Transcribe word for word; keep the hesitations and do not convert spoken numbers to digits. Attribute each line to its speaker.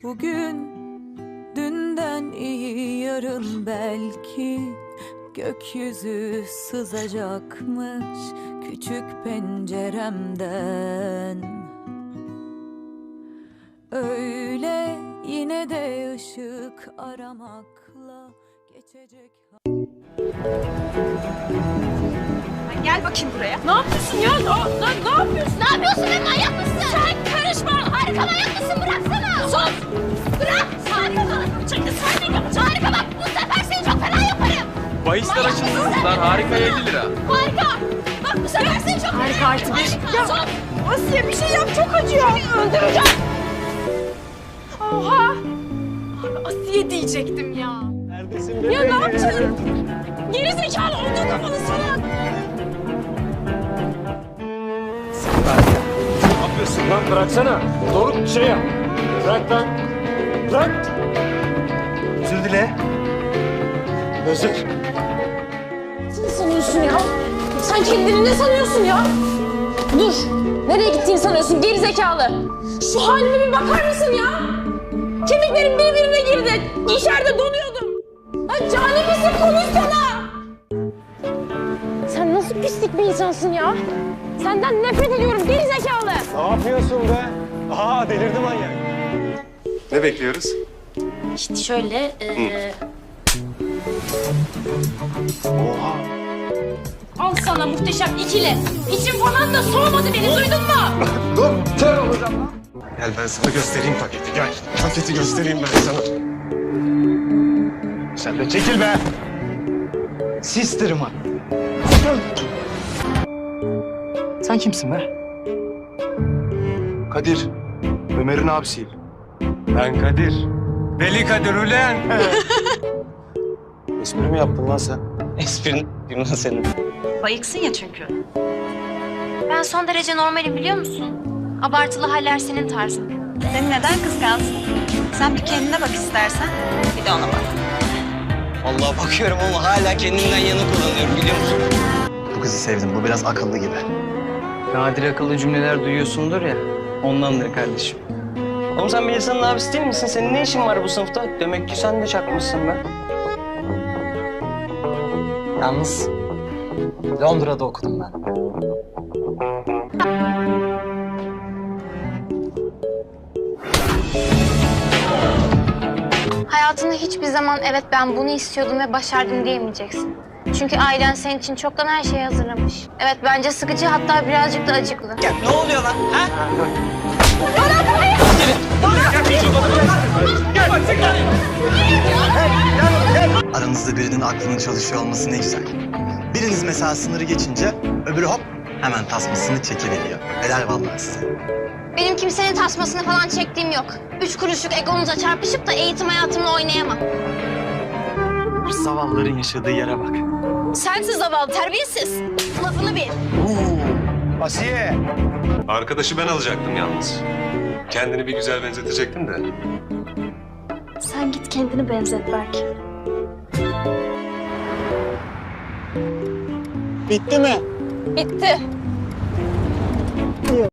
Speaker 1: Bugün dünden iyi, yarın belki gökyüzü sızacakmış küçük penceremden. Öyle yine de ışık aramakla geçecek.
Speaker 2: Gel bakayım buraya. Ne yapıyorsun ya? Ne, ne, ne yapıyorsun?
Speaker 3: Ne yapıyorsun be, manyak mısın?
Speaker 2: Sen karışma.
Speaker 3: Harika, manyak mısın? Bıraksana.
Speaker 2: Sus.
Speaker 3: Bırak. Harika.
Speaker 2: Çekil sen de yapacağım.
Speaker 3: Harika, bak bu sefer seni çok fena yaparım.
Speaker 4: Bahisler açıldı kızlar. Harika elli lira.
Speaker 3: Harika. Bak bu sefer seni çok fena
Speaker 2: Harika artı bir.
Speaker 3: Harika.
Speaker 2: Ya
Speaker 3: Sus.
Speaker 2: Asiye bir şey yap, çok acıyor. Öldüreceğim. Oha. Abi Asiye diyecektim ya.
Speaker 5: Neredesin
Speaker 2: Ya ne yaptın? Geri zekalı olduğu kafanı salak.
Speaker 5: Ne yapıyorsun lan? Bıraksana. Doğru şey yap. Bırak lan. Bırak. Özür dile. Özür.
Speaker 6: Ne sanıyorsun ya? Sen kendini ne sanıyorsun ya? Dur. Nereye gittiğini sanıyorsun geri zekalı? Şu halime bir bakar mısın ya? Kemiklerim birbirine girdi. İçeride donuyordum. Ha, cani misin? Konuşsana. Sen nasıl pislik bir insansın ya? Senden nefret ediyorum geri zekalı.
Speaker 5: Ne yapıyorsun be? Aa delirdi manyak.
Speaker 7: Ne bekliyoruz?
Speaker 6: İşte şöyle... E...
Speaker 5: Oha.
Speaker 6: Al sana muhteşem ikili. İçim falan da soğumadı beni, duydun mu?
Speaker 5: Dur. Kör olacağım lan. Gel ben sana göstereyim paketi. Gel. Paketi göstereyim ben sana. Sen de çekil be. Sister'ıma. Sen kimsin be?
Speaker 7: Kadir, Ömer'in abisiyim.
Speaker 5: Ben Kadir. Deli Kadir ulen.
Speaker 7: Espri mi yaptın lan sen?
Speaker 8: Esprin Yunan senin.
Speaker 2: Bayıksın ya çünkü.
Speaker 3: Ben son derece normalim, biliyor musun? Abartılı haller senin tarzın.
Speaker 2: Seni neden kıskansın? Sen bir kendine bak istersen. Bir de ona bak.
Speaker 8: Vallahi bakıyorum ama hala kendimden yana kullanıyorum biliyor musun?
Speaker 9: Bu kızı sevdim. Bu biraz akıllı gibi.
Speaker 8: Nadir akıllı cümleler duyuyorsundur ya. Ondandır kardeşim. Oğlum sen bir insanın abisi değil misin? Senin ne işin var bu sınıfta? Demek ki sen de çakmışsın be.
Speaker 9: Yalnız Londra'da okudum ben.
Speaker 3: Hayatında hiçbir zaman evet ben bunu istiyordum ve başardım diyemeyeceksin. Çünkü ailen senin için çoktan her şeyi hazırlamış. Evet, bence sıkıcı, hatta birazcık da acıklı.
Speaker 8: Ya ne oluyor lan? Ha?
Speaker 9: Aranızda birinin aklının çalışıyor olması ne güzel. Biriniz mesela sınırı geçince öbürü hop hemen tasmasını çekiveriyor. Helal vallahi size.
Speaker 3: Benim kimsenin tasmasını falan çektiğim yok. Üç kuruşluk egomuza çarpışıp da eğitim hayatımla oynayamam.
Speaker 9: Zavallıların yaşadığı yere bak.
Speaker 3: Sensiz zavallı, terbiyesiz. Lafını bil.
Speaker 5: Asiye.
Speaker 7: Arkadaşı ben alacaktım yalnız. Kendini bir güzel benzetecektin de.
Speaker 3: Sen git kendini benzet belki.
Speaker 5: Bitti mi?
Speaker 6: Bitti.